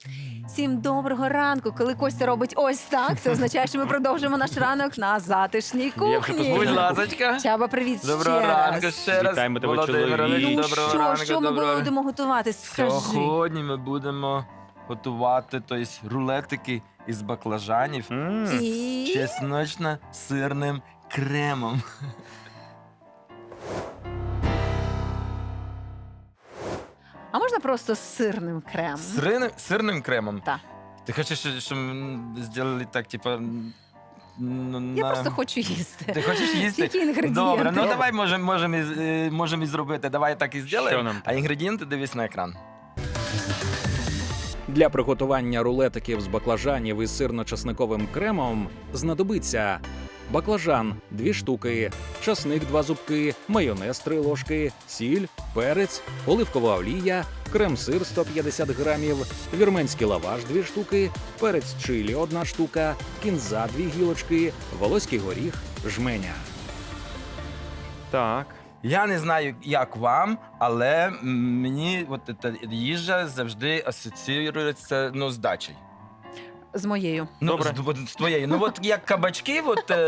Всім доброго ранку. Коли Костя робить ось так, це означає, що ми продовжуємо наш ранок на затишній Я вже кухні. Будь ласочка. Чаба, привіт Доброго ще ранку раз. ще раз. Вітаємо тебе, Володимирович, чоловік. Ну доброго ранку, що ми доброго. будемо готувати? Скажи. Сьогодні ми будемо готувати рулетики із баклажанів з І... чесночно-сирним кремом. А можна просто з сирним кремом? Сирним кремом? Так. Ти хочеш, щоб ми зробили так, типа... Я просто хочу їсти. Ти хочеш їсти? Які інгредієнти? Добре, ну давай можемо і зробити. Давай так і Що зробимо. нам А інгредієнти дивись на екран. Для приготування рулетиків з баклажанів із сирно-часниковим кремом знадобиться баклажан 2 штуки, часник 2 зубки, майонез 3 ложки, сіль, перець, оливкова олія, крем-сир 150 грамів, вірменський лаваш 2 штуки, перець чилі 1 штука, кінза 2 гілочки, волоський горіх, жменя. Так. Я не знаю, як вам, але мені ця їжа завжди асоціюється з дачею. З моєю. Добре. З твоєю. Ну от як кабачки,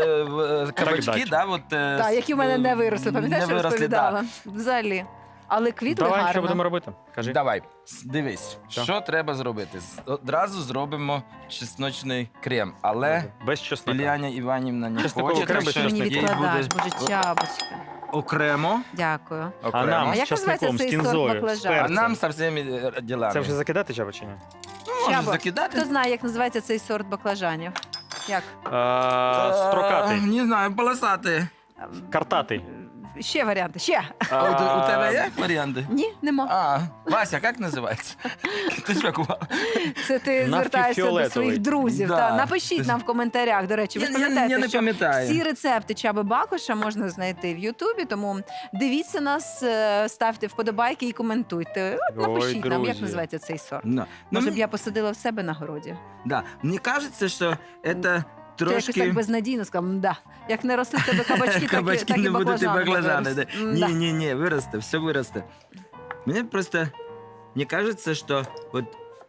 кабачки, дача. Так, які в мене не виросли. Пам'ятаєш, що розповідала? Взагалі. Але квітли Давай, гарно. що будемо робити? Кажи. Давай, дивись, Що? що треба зробити. Одразу зробимо чесночний крем, але Без чеснока. Ілляня Іванівна не Чесниковий хоче, крем так без що Ти мені чеснику. їй відкладаєш, буде боже, чабочка. окремо. Дякую. А нам А як з чесником, називається з цей сорт кінзою, з баклажану? А перцем. нам со всіми ділами. Це вже закидати чаба чи ні? Можна Чабо, закидати. Хто знає, як називається цей сорт баклажанів? Як? Строкатий. Не знаю, полосатий. Картатий. Ще варіанти, ще. А у тебе є варіанти? Ні, нема. А, Вася, як називається? Ти що кував? Це ти звертаєшся до Нафтофіолетовий. своїх друзів. Да. Та. Напишіть нам в коментарях, до речі. Ви ж Я пам'ятаєте, не що пам'ятаю. всі рецепти Чаби Бакоша можна знайти в Ютубі, тому дивіться нас, ставте вподобайки і коментуйте. От Ой, напишіть нам, як друзі. називається цей сорт. Ну, Може б я посадила в себе на городі. да. Мені кажеться, що це Ти якось так трошки... безнадійно сказав, да. Як не ростуть тебе кабачки, Кабачки так і не будуть і баклажани. виростуть. Да. Ні, виросте, все виросте. Мені просто не кажется, что вот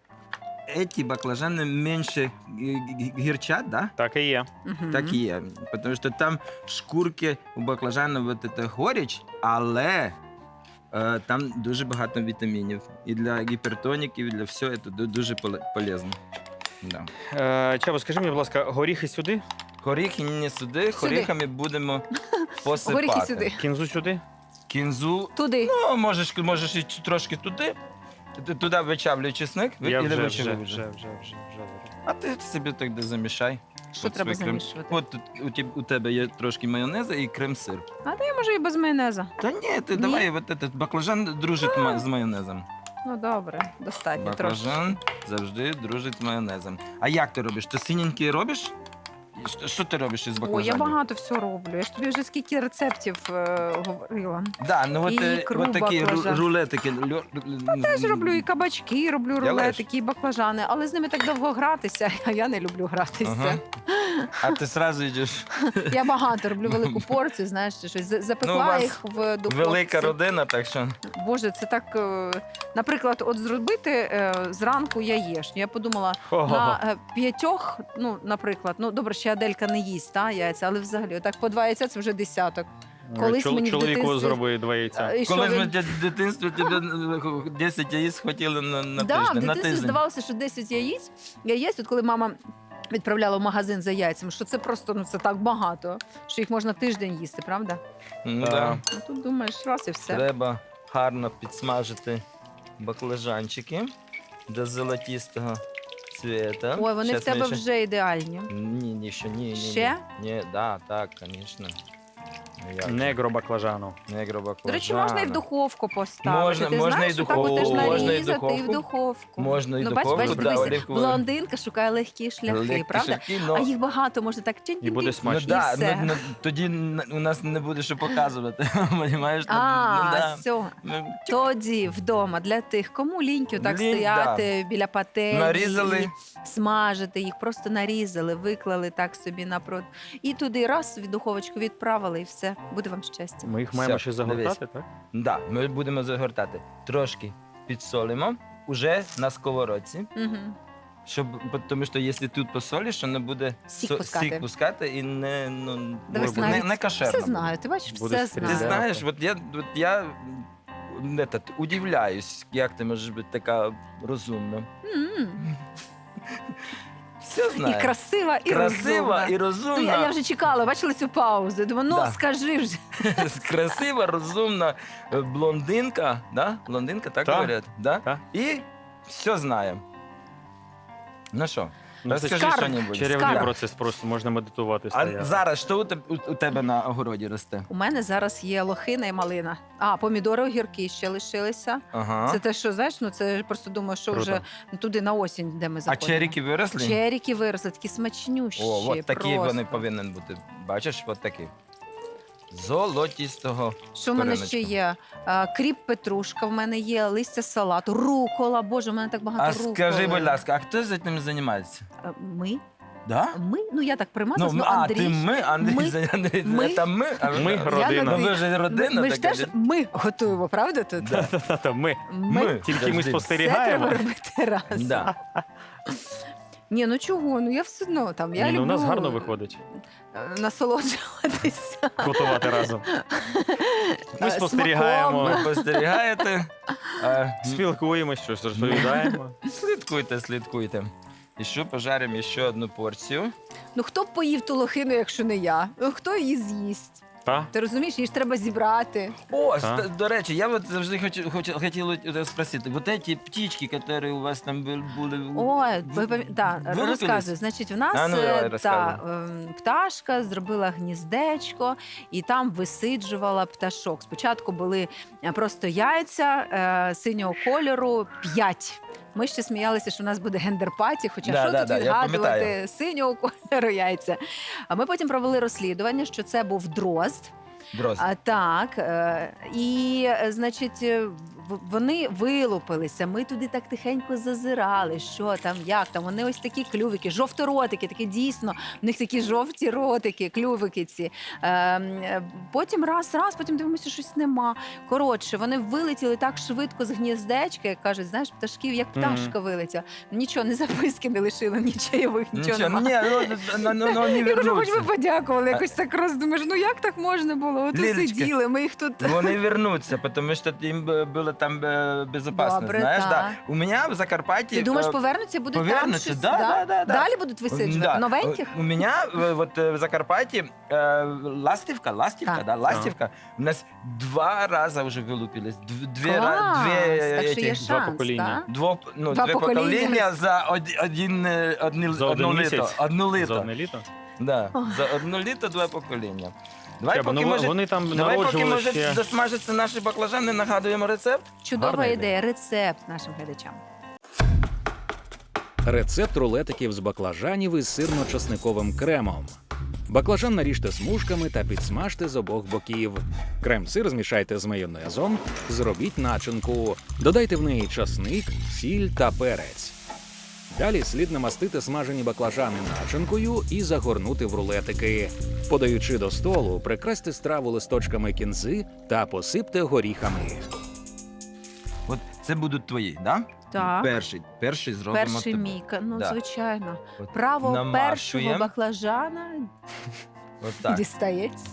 эти баклажаны меньше гірчать, да? Так і є. Мгм. Так і є. Тому що там шкурки у баклажану вот это горіч, але там дуже багато вітамінів. І для гіпертоніків, і для всього це дуже полезно. Да. Чаба, скажи мені, будь ласка, горіхи сюди, Горіхи не сюди, горіхами будемо посипати. Горіхи сюди. кінзу сюди. Кінзу, Туди. ну, можеш і трошки туди. Туди вичавлюй чесник. Я і не вже вичавлюй. вже. А ти собі так де замішай. Що От треба свій крем. замішувати? От тут у тебе є трошки майонезу і крем-сир. А то я можу і без майонеза. Та ні, ти давай от этот баклажан дружить з майонезом. Ну добре, достатньо трошки. Баклажан завжди дружить з майонезом. А як ти робиш? Ти синенький робиш? Що ти робиш із Ой, баклажанів? я багато всього роблю. Я ж тобі вже скільки рецептів говорила. Да, ну от, І ікру от такі баклажан. рулетики. Теж роблю і кабачки, роблю Делаєш? рулетики, і баклажани, але з ними так довго гратися, а я не люблю гратися. Ага. А ти одразу йдеш. Я багато роблю велику порцію, знаєш, щось Ну, у запекла вас їх в духовці. Велика родина, так що. Боже, це так, наприклад, от зробити зранку яєчню. Я подумала, Ого. на 5, ну, наприклад, ну, добре, ще Аделька не їсть, яйця, але взагалі, отак по 2 яйця це вже десяток. Колись мені в Чоловіку дитинстві- зроби 2 яйця. І що Коли він- ми в дитинстві тебе 10 яєць хватило на Да, в тиждень. На дитинстві тиждень. здавалося, що 10 яєць, от коли мама відправляла в магазин за яйцями, що це просто, ну, це так багато, що їх можна тиждень їсти, правда? Ну, Так. да. Ну, тут думаєш, раз і все. Треба гарно підсмажити баклажанчики до золотистого цвета. Ой, вони Щас в тебе ми ще- вже ідеальні. Ні, ще ні. Ще? Ні, да, так, звісно. Негро баклажану. Негро баклажана. До речі, можна і в духовку поставити. Можна- Ти можна знаєш, і що так духовку, теж можна і нарізати і в духовку. духовку. Можна і Ну, духовку, бачиш, да, дивися, оливкову. блондинка шукає легкі шляхи, Легкі правда? шляхи, но- А їх багато, можна так І буде Ну, смачно. да, все. тоді у нас не буде що показувати. Понімаєш? Ну, А, да. все. Ну, Тоді вдома для тих, кому ліньки так Лінь, стояти біля пательні Нарізали. і смажити їх, просто нарізали, виклали так собі напроти. І туди раз в духовочку відправили, і все. Буде вам щастя. Ми їх маємо Все, ще загортати, так? Да, ми будемо загортати. Трошки підсолимо уже на сковородці. Угу. Тому що якщо тут посолиш, воно буде Сік пускати. сік пускати і не, ну, Дивись, не, навіть не кошерно. все буде. знаю, ти бачиш, Буде все стріляти. Ти знаю. знаєш, я удивляюсь, як ти можеш бути така розумна. М. Все знаю. І красива, і Красива розумна. і Ну, розумна. я вже чекала, бачила цю паузу. Думаю, ну Да. скажи вже. Красива, розумна блондинка, да? Блондинка, так Так. говорять? Да? Так. І все знає. Ну що, Ну, це розкажи скарб. що-небудь. Чарівний Скарб. процес, просто можна медитувати. А стояти. зараз що у тебе на огороді росте? У мене зараз є лохина і малина. А, помідори, огірки ще лишилися. Ага. Це те, що знаєш, ну це просто думаю, що Круто. вже туди на осінь, де ми А заходимо. черіки виросли? Черіки виросли, такі смачнющі. О, от такі просто. вони повинні бути. Бачиш, от такі. Золотістого. Що в мене коріночка. ще є? Кріп петрушка, в мене є листя салату, рукола. Боже, в мене так багато А руколи. скажи, будь ласка, а хто за цим займається? Ми? Да? Ми? Ну я так примазалась, Ну, Андрій. ти Андрій, Ми- Андрій, ми- це ми, а ви- Ми а- родина. Ну, ви ж родина Ми ж така. теж ми готуємо, правда тут? Да. Та-та-та, ми. Ми. Тільки ми Завжди. Це треба спостерігаємо. робити раз. Да. Ні, ну чого? Ну я все одно там. Я Ні, ну, люблю у нас гарно виходить насолоджуватися. готувати разом. Ми Смаком. спостерігаємо, Ви спостерігаєте, спілкуємося, щось розповідаємо. слідкуйте. І що пожаримо ще одну порцію. Ну хто б поїв ту лохину, якщо не я? Ну хто її з'їсть? Та? Ти розумієш, її ж треба зібрати. О, Так. до речі, я от завжди хотів спросити, вот эти птички, які у вас там були, Ой, да, Вилупились? розказую. Значить, в нас А, ну, давай, розказуй. пташка зробила гніздечко і там висиджувала пташок. Спочатку були просто яйця синього кольору 5. Ми ще сміялися, що у нас буде гендер-паті, хоча Да, що да, тут да, я відгадувати пам'ятаю. синього кольору яйця. А ми потім провели розслідування, що це був дрозд. Дрозд. Так, значить, вони вилупилися. Ми туди так тихенько зазирали, що там, як там. Вони ось такі клювики, жовторотики, такі дійсно, в них такі жовті ротики, клювики ці. Потім раз, потім дивимося, щось нема. Коротше, вони вилетіли так швидко з гніздечка, як кажуть, знаєш, пташків, як пташка вилетіла. Нічого, не записки не лишили, ні чайових, нічого Нічого, немає. не Я кажу, хоч вернуться. би подякували, якось так роздумаєш, ну як так можна було? От і Лілечка, сиділи, ми їх тут... Вони вернуться, тому що їм було там безпечно, Добре, знаєш. так. Да. У мене в Закарпатті... Ти думаєш, повернуться, будуть повернуться, там щось? да. Далі будуть висиджувати? Новеньких? У мене вот, в Закарпатті ластівка, Так. да, ластівка, у нас 2 рази вже вилупились. Клас! Так що є этих- два шанс, покоління. так? Два Два покоління покоління. за За один одну місяць? літо. Одну За літо. одне літо? Да. Ой. За одну літо 2 покоління. Давай, Чаба, поки ну, може, вони там давай, поки народжували може ще. досмажаться наші баклажани, нагадуємо рецепт. Чудова Гарна ідея, рецепт нашим глядачам. Рецепт рулетиків з баклажанів із сирно-часниковим кремом. Баклажан наріжте смужками та підсмажте з обох боків. Крем-сир змішайте з майонезом, зробіть начинку. Додайте в неї часник, сіль та перець. Далі слід намастити смажені баклажани начинкою і загорнути в рулетики. Подаючи до столу, прикрасьте страву листочками кінзи та посипте горіхами. От це будуть твої, да? Так. Перший зробимо. Перший тобі. міка, ну Да. звичайно. От Право намащуємо. першого баклажана От так. дістається.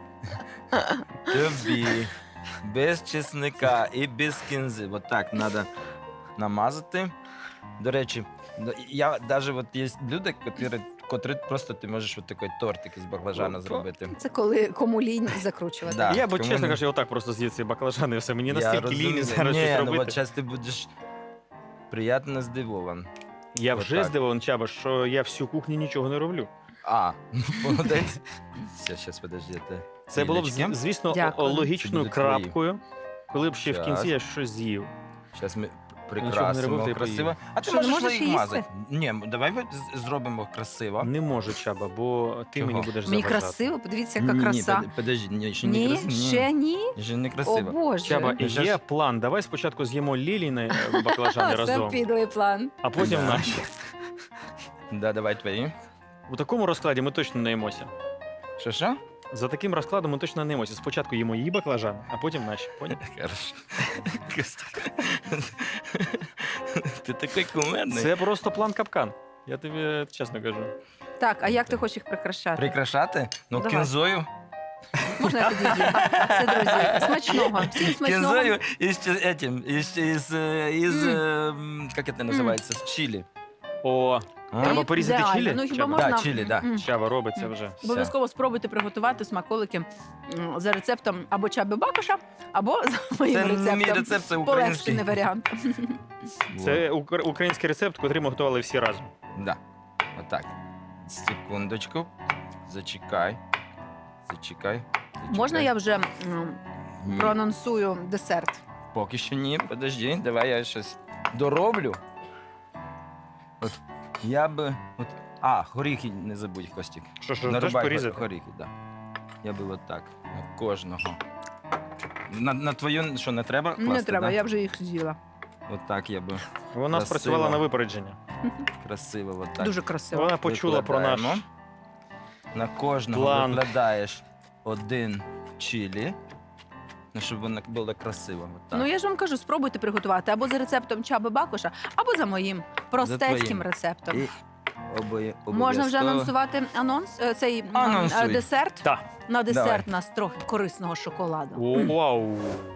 Тобі. Без чесника і без кінзи. От так треба намазати. До речі, я навіть от є люди, котрі просто ти можеш от такий тортик із баклажана зробити. Це коли кому лінь закручувати. Да. Я б, кому чесно не- кажучи, отак просто з'їв ці баклажани і все. Мені Я настільки розумію. лінь зараз Ні, щось ну робити. от зараз ти будеш приємно здивований. Я вже отак. здивований, Чаба, що я всю кухню нічого не роблю. А, молодець. Все, зараз, подождите. Це було б, Лілечки. звісно, Дякую. Це логічною будуть твої. крапкою, коли б ще в Щас. кінці я щось з'їв. Зараз ми Нічого не прикрасимо робив, ти красиво. поїв. А ти Що, не можеш можеш їх їсти? мазати? Ні, давай ми зробимо красиво. Не можу, Чаба, бо ти Чого? мені будеш Мені заважати. красиво, подивіться, яка Ні, краса. подожди, ні, ще не Ні, красиво. ще ні. Ще не О, красиво. Боже. Чаба, Ну, щас- є план. Давай спочатку з'їмо Ліліни баклажани Це разом, підлий план. а потім Да. наші. Да, давай твої. У такому розкладі ми точно не їмося. Що? За таким розкладом ми точно не їмося. Спочатку їмо її баклажан, а потім наші. Поняв? Хорошо. Ти такий кумедний. Це просто план капкан. Я тобі чесно кажу. Так, а як ти хочеш їх прикрашати? Прикрашати? Ну, Давай. кінзою. Можна я підійду? Все, друзі, смачного. Всім смачного. Кінзою як це називається? З чилі. О, треба І порізати ідеально. чилі? Ну, хіба Чаба? можна... Да, чилі, да. Чаба робить це вже. Обов'язково спробуйте приготувати смаколики за рецептом або Чаби Бакоша, або за моїм Це не рецептом. мій рецепт, це український. Полегшений варіант. Це український рецепт, який ми готували всі разом. Да. Отак. Секундочку. Зачекай. Можна я вже Ні. проанонсую десерт? Поки що ні, подожди, давай я щось дороблю. От я би. Горіхи не забудь, Костік. Що, теж Нарубай порізати? горіхи, так. Да. Я би отак. На кожного. На твою що, не треба класти? Не треба, да? я вже їх з'їла. Отак я би Вона Красиво. спрацювала на випередження. красиво. Отак. Дуже красиво. Вона почула про наш Викладаємо. На кожного план. викладаєш один чилі, ну, щоб воно було красиво. Отак. Ну я ж вам кажу, спробуйте приготувати або за рецептом Чаби Бакоша, або за моїм простецьким твоїм. рецептом. І Можна вже обов'язково- анонсувати цей Анонсуй. десерт? Так. На десерт Давай. нас трохи корисного шоколаду. О, вау.